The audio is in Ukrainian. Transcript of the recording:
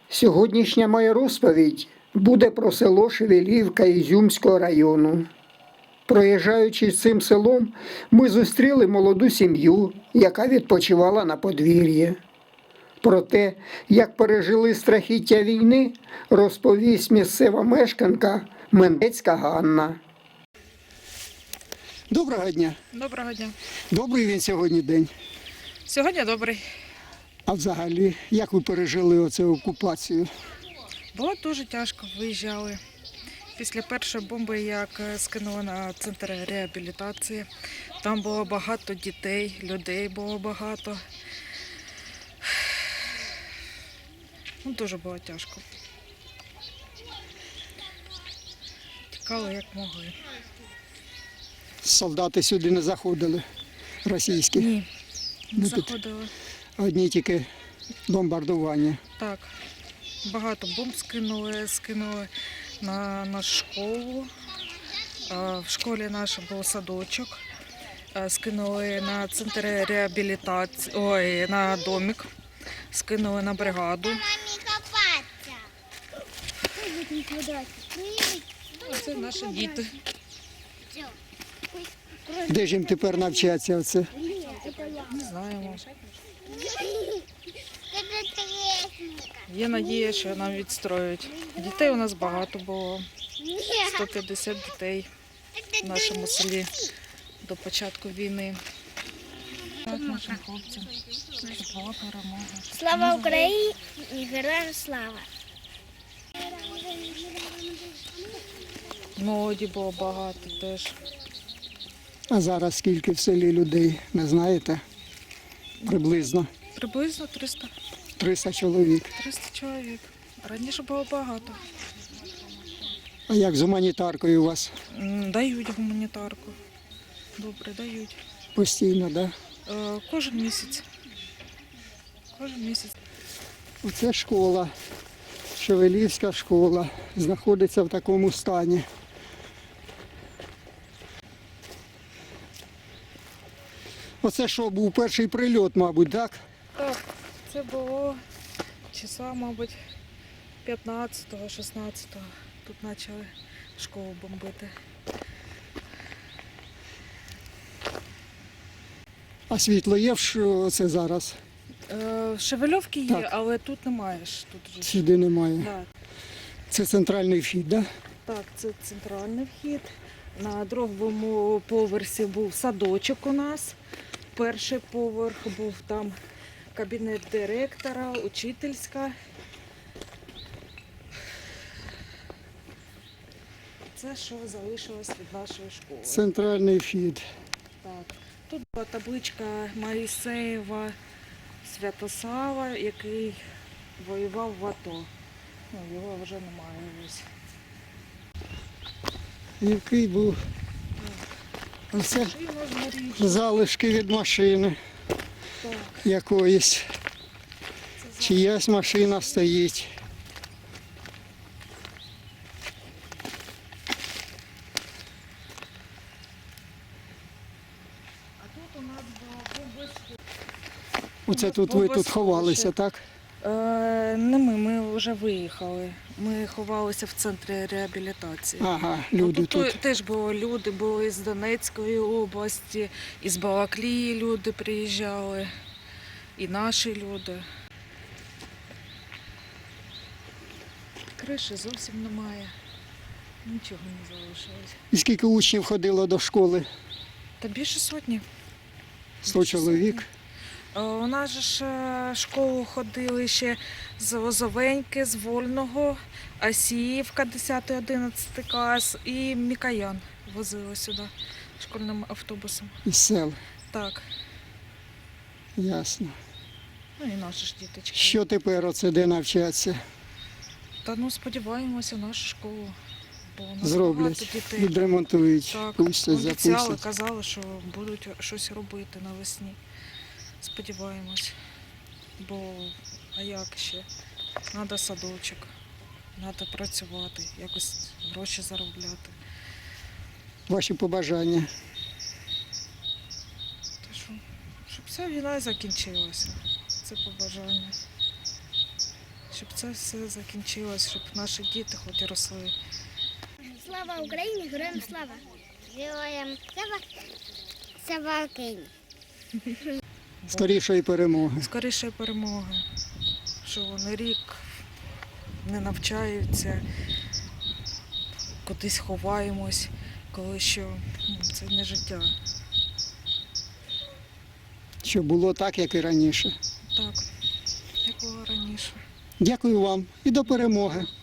Сьогоднішня моя розповідь буде про село Шевелівка Ізюмського району. Проїжджаючи цим селом, ми зустріли молоду сім'ю, яка відпочивала на подвір'ї. Про те, як пережили страхіття війни, розповість місцева мешканка Мендецька Ганна. Доброго дня. Доброго дня. Добрий він сьогодні день. Сьогодні добрий. А взагалі, як ви пережили оцю окупацію? Було дуже тяжко, виїжджали. Після першої бомби, як скинули на центр реабілітації, там було багато дітей, людей було багато. Дуже було тяжко. Тікали як могли. Солдати сюди не заходили, російські? Ні, не Ну, тут заходили. одні тільки бомбардування. Так, багато бомб скинули на нашу школу. В школі наш був садочок. Скинули на центр реабілітації, на домик, скинули на бригаду. Це наші діти. Де ж їм тепер навчатися оце? Не знаємо. Є надія, що нам відстроють. Дітей у нас багато було. 150 дітей в нашому селі до початку війни. Так, нашим хлопцям, щоб була перемога. Слава Україні і героям слава! Молоді було багато теж. А зараз скільки в селі людей, не знаєте? Приблизно Приблизно 300 300 чоловік. чоловік. Раніше було багато. А як з гуманітаркою у вас? Дають гуманітарку. Добре, дають. Постійно, так? Кожен місяць. Кожен місяць. Оце школа, Шевелівська школа, знаходиться в такому стані. Оце що, був перший прильот, мабуть, так? Так, це було числа, мабуть, 15-го, 16-го. Тут почали школу бомбити. А світло є це зараз? В Шевельовці є, Так. але тут немає ж. Тут же. Сюди немає. Да. Це центральний вхід, так? Так, це центральний вхід. На другому поверсі був садочок у нас. Перший поверх був там кабінет директора, учительська. Це що залишилось від нашої школи. Центральний вхід. Так. Тут була табличка Моїсеєва Святослава, який воював в АТО. Його вже немає ось. Який був оце Машина згоріла. залишки від машини Так, якоїсь. це Чиясь машина стоїть. А тут у нас було бомбосховище. Оце тут ви тут ховалися, так? Не ми вже виїхали. Ми ховалися в центрі реабілітації. Ага, люди тут. Теж були люди, були із Донецької області, із Балаклії люди приїжджали, і наші люди. Криші зовсім немає, нічого не залишилось. І скільки учнів ходило до школи? Та більше сотні. 100 чоловік. У нас же ж школу ходили ще з Лозовеньки, з Вольного, Асіївка, 10-11 клас і Мікоян возили сюди школьним автобусом. Із сел. Так, Ясно. і наші ж діточки. Що тепер оце де навчатися? Та сподіваємося нашу школу, бо у нас багато Зроблять, дітей. відремонтують, Так, пустять, обіцяли, запустять. казали, що будуть щось робити навесні. Сподіваємось, бо а як ще? Треба садочок, треба працювати, якось гроші заробляти. Ваші побажання. Та що, щоб вся війна закінчилася, це побажання. щоб це все закінчилось, щоб наші діти хоч і росли. Слава Україні, героям слава! Героям слава! Слава Україні! Скорішої перемоги. Скоріше перемоги, що вони рік не навчаються, кудись ховаємось, коли що це не життя. Щоб було так, як і раніше. Так, як було раніше. Дякую вам і до перемоги.